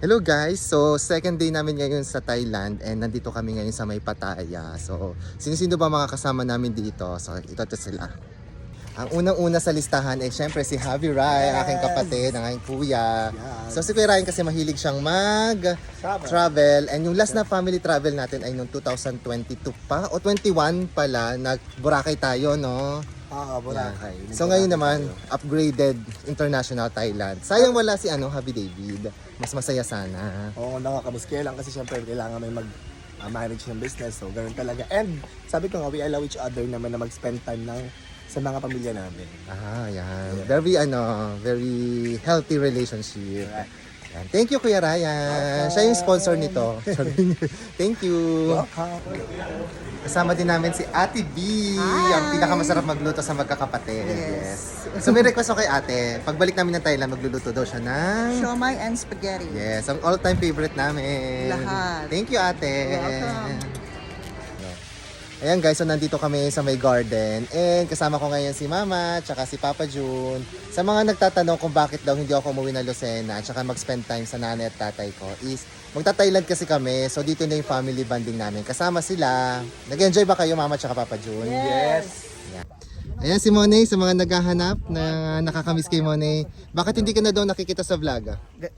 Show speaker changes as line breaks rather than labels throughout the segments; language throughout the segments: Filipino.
Hello guys! So, second day namin ngayon sa Thailand and nandito kami ngayon sa May Pattaya. So, sino-sino ba mga kasama namin dito? So, ito sila. Ang unang-una sa listahan ay syempre si Javi Rai, ang aking kapatid, ang aking kuya. So, si Kuya Ryan kasi mahilig siyang mag-travel. And yung last na family travel natin ay noong 2022 pa o 21 pala, nag-Boracay tayo, no?
Boracay.
So ngayon naman, upgraded international Thailand. Sayang wala si Javi David. Mas masaya sana.
Oo, nakakamiss. Kaya lang kasi syempre kailangan may manage ng business. So, ganun talaga. And sabi ko nga, we allow each other naman na mag-spend time sa mga pamilya namin.
Yan. Very healthy relationship. Yan. Thank you, Kuya Ryan. Siya yung sponsor nito. Thank you. Kasama din namin si Ate B, ang pinakamasarap magluto sa magkakapatid. Yes. So may request ako kay Ate, pagbalik namin ng Thailand, magluluto daw siya ng
Siomai and spaghetti.
yes, ang all-time favorite namin.
Lahat.
Thank you, Ate.
Welcome.
Ayan guys, so nandito kami sa may garden and kasama ko ngayon si Mama tsaka si Papa June. Sa mga nagtatanong kung bakit daw hindi ako umuwi ng Lucena at tsaka mag-spend time sa nanay at tatay ko is magta-Thailand kasi kami, so dito na yung family bonding namin. Kasama sila. Nag-enjoy ba kayo Mama tsaka Papa June?
Yes!
Ayan si Monay, sa mga naghahanap na nakakamiss kay Monay. Bakit hindi ka na daw nakikita sa vlog?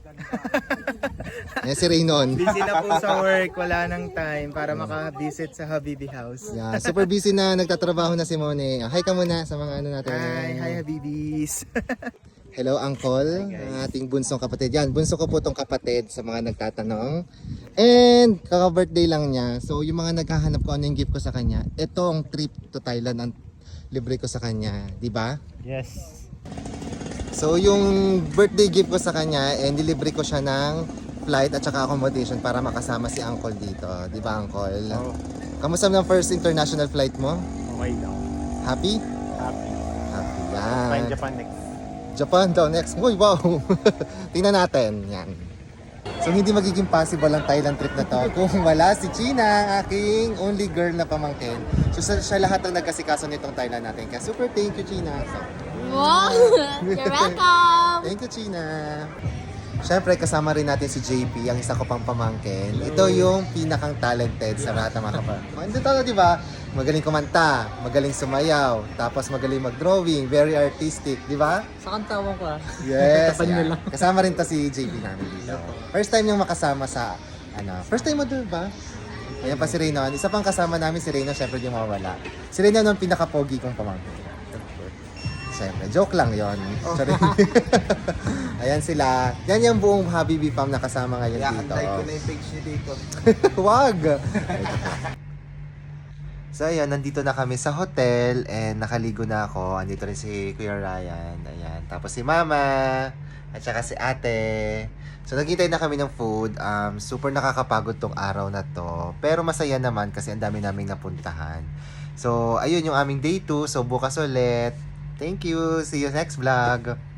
Ayan si Raynon.
Busy na po sa work, wala nang time para maka-visit sa Habibi House.
Yeah, super busy na, nagtatrabaho na si Monay. Hi ka muna sa mga natin.
Hi Habibis.
Hello, Uncle, ang ating bunsong kapatid. Yan, bunso ko po tong kapatid sa mga nagtatanong. And, kaka-birthday lang niya. So, yung mga naghahanap ko ano yung gift ko sa kanya, ito ang trip to Thailand ang libre ko sa kanya. Di ba?
Yes.
So, yung birthday gift ko sa kanya, and nilibre ko siya ng flight at saka accommodation para makasama si Uncle dito. Di ba, Uncle?
Oh.
Kamusta ng first international flight mo?
Okay lang.
Happy?
Happy.
Happy. Yan.
Find Japan next.
Japan daw next. Uy, wow! Tingnan natin. Yan. So, hindi magiging possible ang Thailand trip na to kung wala si China, ang aking only girl na pamangkin. So, siya lahat ang nagkasikaso nitong Thailand natin. Kaya super thank you, China. So,
Wow! You're welcome!
thank you, China. Siyempre, kasama rin natin si JP, ang isa ko pang pamangkin. Ito yung pinakang talented sa lahat ng mga kapamangkin. Ito, di ba? Magaling kumanta, magaling sumayaw, tapos magaling mag-drawing, very artistic, di ba?
Sa kantawan ko
Yes. Yeah. Kasama rin to si JP namin dito. First time niyang makasama sa, first time mo doon ba? Ayan pa si Reynon. Isa pang kasama namin si Reynon, syempre di mawala. Si Reynon ang pinaka-pogi kong pamangkin. Siyempre, joke lang yon. Sorry. Ayan sila. Yan yung buong Habibi fam na kasama ngayon dito.
Antay ko na yung page niya dito.
Wag! So ayan, nandito na kami sa hotel and nakaligo na ako. Andito rin si Kuya Ryan. Ayan. Tapos si Mama at saka si Ate. So naghintay na kami ng food. Super nakakapagod tong araw na to. Pero masaya naman kasi ang dami naming napuntahan. So ayun yung aming day 2. So bukas ulit. Thank you. See you next vlog.